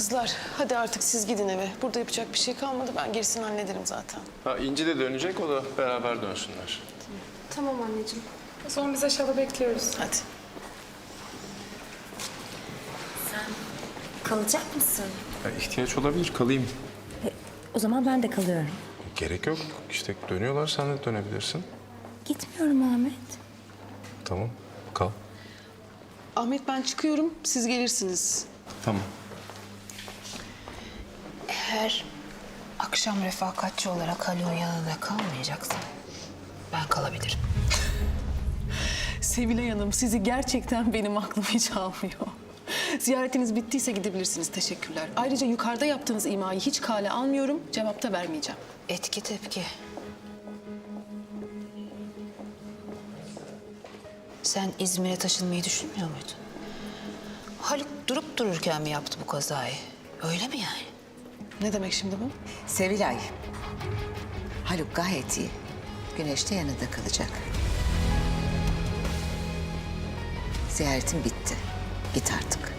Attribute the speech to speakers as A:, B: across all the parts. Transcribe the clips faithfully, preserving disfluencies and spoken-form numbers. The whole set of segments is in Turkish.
A: Kızlar hadi artık siz gidin eve. Burada yapacak bir şey kalmadı. Ben gerisini hallederim zaten.
B: Ha, İnci de dönecek, o da beraber dönsünler.
C: Tamam anneciğim. O zaman biz aşağıda bekliyoruz.
A: Hadi.
D: Sen kalacak mısın?
B: Ya, ihtiyaç olabilir, kalayım.
D: E, o zaman ben de kalıyorum.
B: Gerek yok. İşte dönüyorlar, sen de dönebilirsin.
D: Gitmiyorum Ahmet.
B: Tamam, kal.
A: Ahmet ben çıkıyorum. Siz gelirsiniz.
B: Tamam.
E: Eğer akşam refakatçi olarak Haluk'un yanında kalmayacaksın, ben kalabilirim.
A: Sevilay Hanım sizi gerçekten benim aklım hiç almıyor. Ziyaretiniz bittiyse gidebilirsiniz. Teşekkürler. Ayrıca yukarıda yaptığınız imayı hiç kale almıyorum. Cevap da vermeyeceğim.
E: Etki tepki. Sen İzmir'e taşınmayı düşünmüyor muydun? Haluk durup dururken mi yaptı bu kazayı? Öyle mi yani?
A: Ne demek şimdi bu?
F: Sevilay, Haluk gayet iyi. Güneş de yanında kalacak. Ziyaretin bitti. Git artık.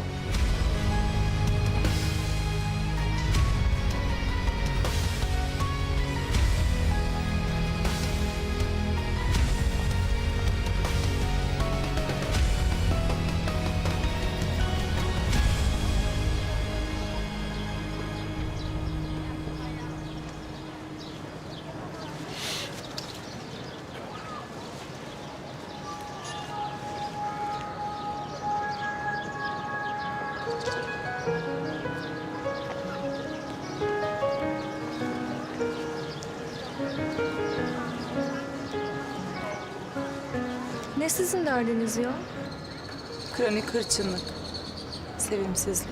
C: Ne sizin derdiniz ya?
E: Kronik hırçınlık, sevimsizlik.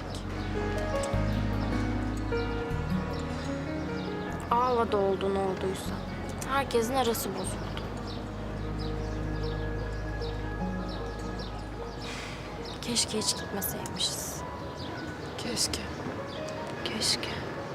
G: Ağla oldu ne olduysa. Herkesin arası bozuldu. Keşke hiç gitmeseymişiz.
A: Keşke.
G: Keşke.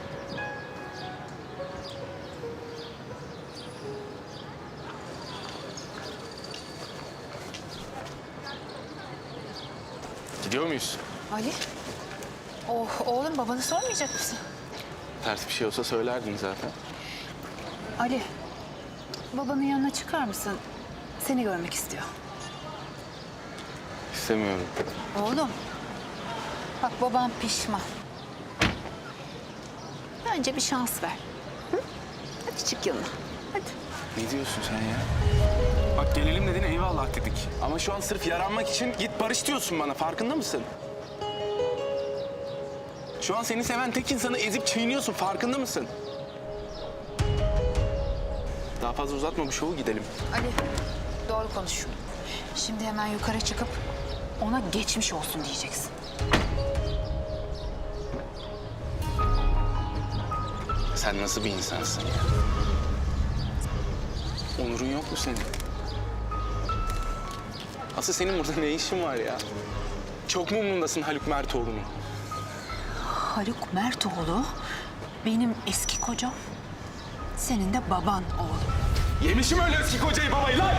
B: Gidiyor muyuz?
E: Ali, oh, oğlum babanı sormayacak mısın?
B: Ters bir şey olsa söylerdin zaten.
E: Ali, babanın yanına çıkar mısın? Seni görmek istiyor.
B: İstemiyorum.
E: Oğlum, bak babam pişman. Bence bir şans ver. Hı? Hadi çık yanına, hadi.
H: Ne diyorsun sen ya? Bak gelelim dedin eyvallah dedik. Ama şu an sırf yaranmak için git barış diyorsun bana, farkında mısın? Şu an seni seven tek insanı ezip çiğniyorsun, farkında mısın? Daha fazla uzatma bu şovu, gidelim.
E: Ali, doğru konuş. Şimdi hemen yukarı çıkıp ona geçmiş olsun diyeceksin.
H: Sen nasıl bir insansın ya? Onurun yok mu senin? Asıl senin burada ne işin var ya? Çok mu umrundasın Haluk Mertoğlu'nun?
E: Haluk Mertoğlu benim eski kocam. Senin de baban oğlum.
H: Yemişim öyle eski kocayı babayı lan!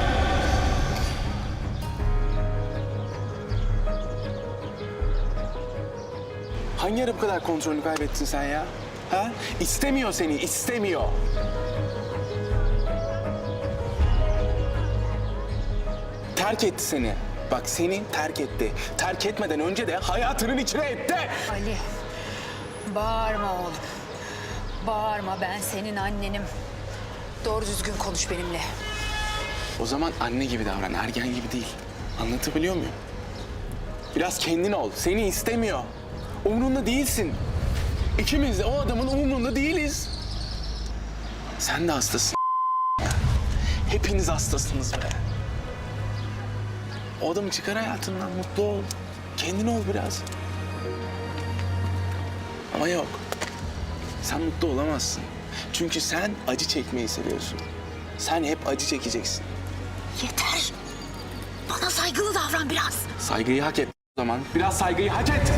H: Hangi ara bu kadar kontrolünü kaybettin sen ya? Ha? İstemiyor seni, istemiyor. Terk etti seni. Bak seni terk etti. Terk etmeden önce de hayatının içine etti.
E: Ali, bağırma oğlum. Bağırma, ben senin annenim. Doğru düzgün konuş benimle.
H: O zaman anne gibi davran, ergen gibi değil. Anlatabiliyor muyum? Biraz kendin ol. Seni istemiyor. Umrunda değilsin. İkimiz de o adamın umrunda değiliz. Sen de hastasın. Hepiniz hastasınız be. O adamı çıkar hayatından, mutlu ol. Kendin ol biraz. Ama yok. Sen mutlu olamazsın. Çünkü sen acı çekmeyi seviyorsun. Sen hep acı çekeceksin.
E: Yeter. Bana saygılı davran biraz.
H: Saygıyı hak et o zaman. Biraz saygıyı hak et.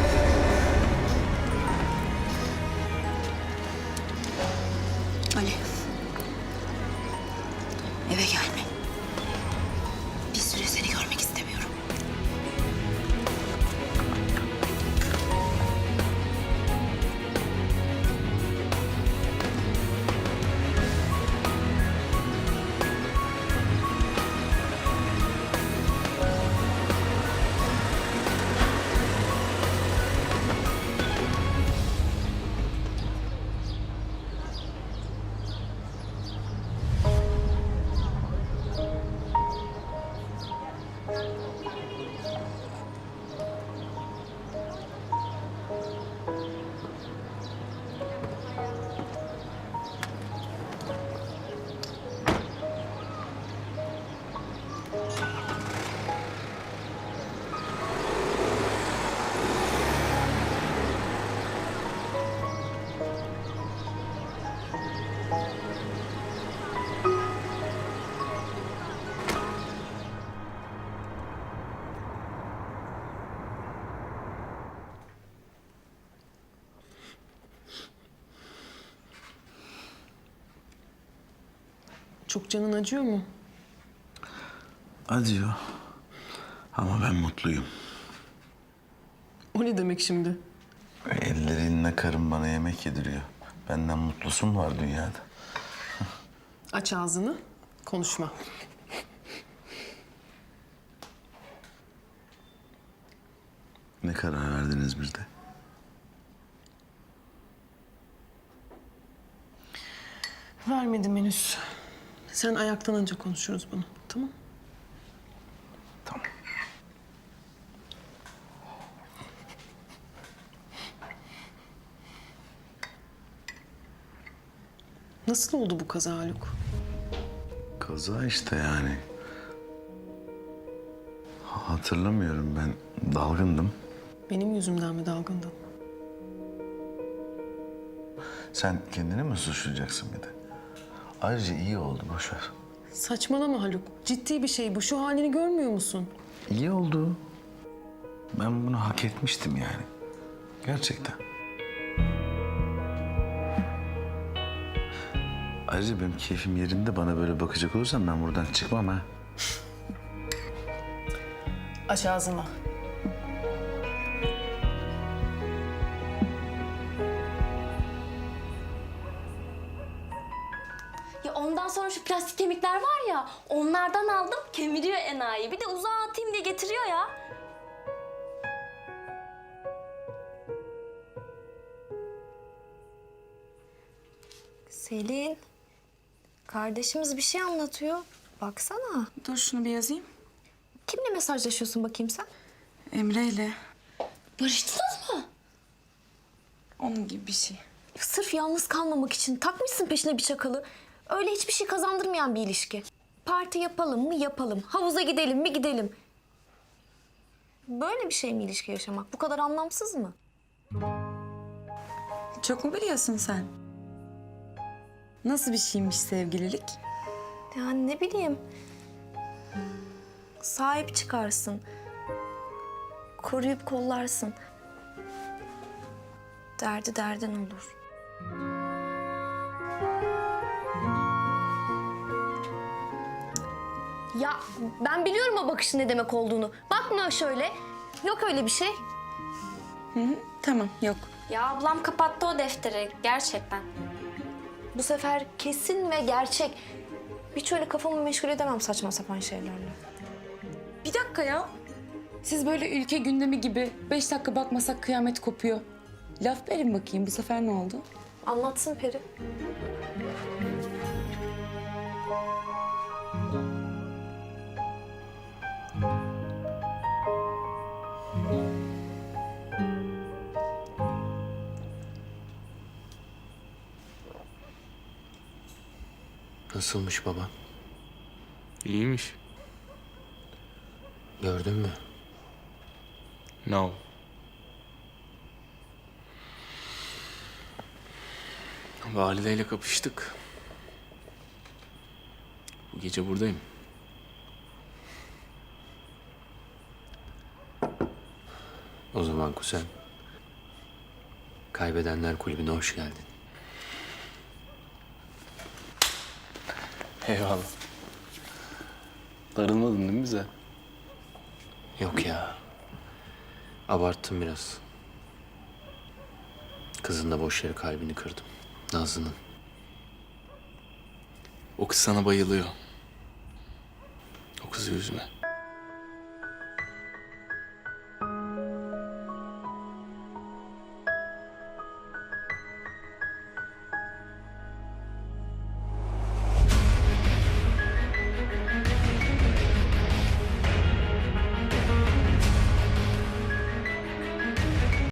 E: Ali. Eve gelme. Bir süre seni görmek istemiyorum.
A: Çok canın acıyor mu?
I: Acıyor. Ama ben mutluyum.
A: O ne demek şimdi?
I: Ellerinle karım bana yemek yediriyor. Benden mutlusu mu var dünyada?
A: Aç ağzını, konuşma.
I: Ne karar verdiniz bir de?
A: Vermedim henüz. Sen ayaktan önce konuşuruz bunu, tamam?
I: Tamam.
A: Nasıl oldu bu kaza Haluk?
I: Kaza işte yani. Hatırlamıyorum, ben dalgındım.
A: Benim yüzümden mi dalgındın?
I: Sen kendini mi suçlayacaksın bir de? Ayrıca iyi oldu, boş ver.
A: Saçmalama Haluk. Ciddi bir şey bu. Şu halini görmüyor musun?
I: İyi oldu. Ben bunu hak etmiştim yani. Gerçekten. Ayrıca benim keyfim yerinde, bana böyle bakacak olursan ben buradan çıkmam ha.
A: Aç ağzını.
G: Ya ondan sonra şu plastik kemikler var ya, onlardan aldım, kemiriyor enayi. Bir de uzağa atayım diye getiriyor ya. Selin, kardeşimiz bir şey anlatıyor. Baksana.
C: Dur şunu bir yazayım.
G: Kimle mesajlaşıyorsun bakayım sen?
C: Emre ile.
G: Barıştınız mı?
C: Onun gibi bir şey.
G: Sırf yalnız kalmamak için takmışsın peşine bir çakalı. Öyle hiçbir şey kazandırmayan bir ilişki. Parti yapalım mı yapalım. Havuza gidelim mi gidelim. Böyle bir şey mi ilişki yaşamak? Bu kadar anlamsız mı?
C: Çok mu biliyorsun sen? Nasıl bir şeymiş sevgililik?
G: Yani ne bileyim. Sahip çıkarsın. Koruyup kollarsın. Derdi derdin olur. Ya ben biliyorum o bakışın ne demek olduğunu. Bakma şöyle. Yok öyle bir şey.
C: Hı hı, tamam, yok.
G: Ya ablam kapattı o defteri gerçekten. Bu sefer kesin ve gerçek. Hiç öyle kafamı meşgul edemem saçma sapan şeylerle.
C: Bir dakika ya. Siz böyle ülke gündemi gibi beş dakika bakmasak kıyamet kopuyor. Laf verin bakayım, bu sefer ne oldu?
G: Anlatsın Peri.
J: Nasılmış baban?
B: İyiymiş.
J: Gördün mü?
B: No. Valideyle kapıştık. Bu gece buradayım.
J: O zaman kuzen. Kaybedenler Kulübü'ne hoş geldin.
B: Eyvallah. Darılmadın değil mi bize?
J: Yok ya. Abarttım biraz. Kızın da boş yere kalbini kırdım. Nazlı'nın.
B: O kız sana bayılıyor. O kızı üzme.